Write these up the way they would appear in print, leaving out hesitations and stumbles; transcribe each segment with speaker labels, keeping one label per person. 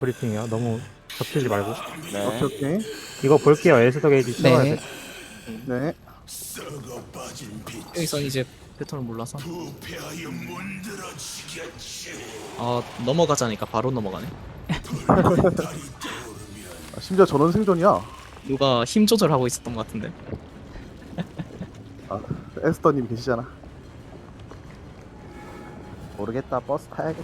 Speaker 1: 브리핑이요. 너무 겹치지 말고.
Speaker 2: 네.
Speaker 3: 오케이 오케이.
Speaker 1: 이거 볼게요. 에스더 게이지 채워야
Speaker 4: 네.
Speaker 1: 돼.
Speaker 3: 네.
Speaker 4: 여기서 이제 패턴을 몰라서. 넘어가자니까 바로 넘어가네.
Speaker 3: 아, 심지어 전원 생존이야.
Speaker 4: 누가 힘 조절하고 있었던 것 같은데.
Speaker 3: 아, 에스더님 계시잖아. 모르겠다. 버스 타야겠지.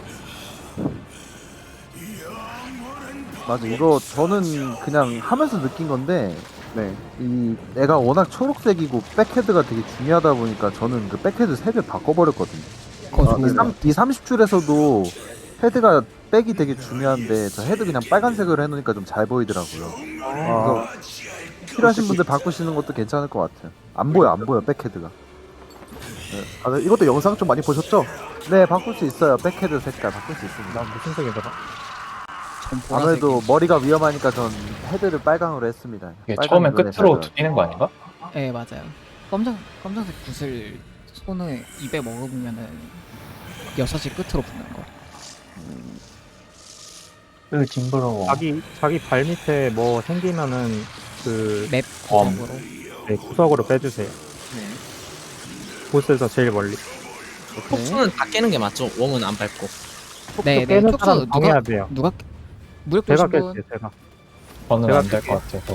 Speaker 3: 맞아. 이거 저는 그냥 하면서 느낀 건데, 네. 이 애가 워낙 초록색이고 백헤드가 되게 중요하다 보니까 저는 그 백헤드 색을 바꿔버렸거든요. 이 30줄에서도 헤드가 백이 되게 중요한데 저 헤드 그냥 빨간색으로 해놓으니까 좀 잘 보이더라고요. 그래서 필요하신 분들 바꾸시는 것도 괜찮을 것 같아요. 안 보여 백헤드가. 네. 아, 네, 이것도 영상 좀 많이 보셨죠? 네, 바꿀 수 있어요. 백헤드 색깔 바꿀 수 있습니다.
Speaker 1: 난 무슨 색이더라?
Speaker 3: 아무래도 머리가 위험하니까 전 헤드를 빨강으로 했습니다.
Speaker 5: 이게
Speaker 3: 빨강으로
Speaker 5: 처음엔 끝으로
Speaker 3: 해서.
Speaker 5: 뛰는 거 아닌가?
Speaker 6: 네 맞아요. 검정색 붓을 손을 입에 먹으면은 여섯이 끝으로 붙는 거.
Speaker 5: 그 징그러워.
Speaker 1: 자기 발 밑에 뭐 생기면은 그
Speaker 6: 맵
Speaker 5: 검.
Speaker 6: 구성으로.
Speaker 1: 네, 구석으로 빼주세요.
Speaker 4: 네.
Speaker 1: 보스에서 제일 멀리.
Speaker 3: 오케이.
Speaker 4: 폭수는 다 깨는 게 맞죠. 웜은 안 밟고.
Speaker 6: 네,
Speaker 1: 깨는
Speaker 6: 톡수
Speaker 1: 사람 정해야 돼요.
Speaker 6: 누가 무력
Speaker 1: 제가
Speaker 6: 보신 분
Speaker 1: 깰게요. 제가.
Speaker 5: 저는
Speaker 1: 제가
Speaker 5: 안 될
Speaker 1: 깰게요.
Speaker 5: 것 같아서.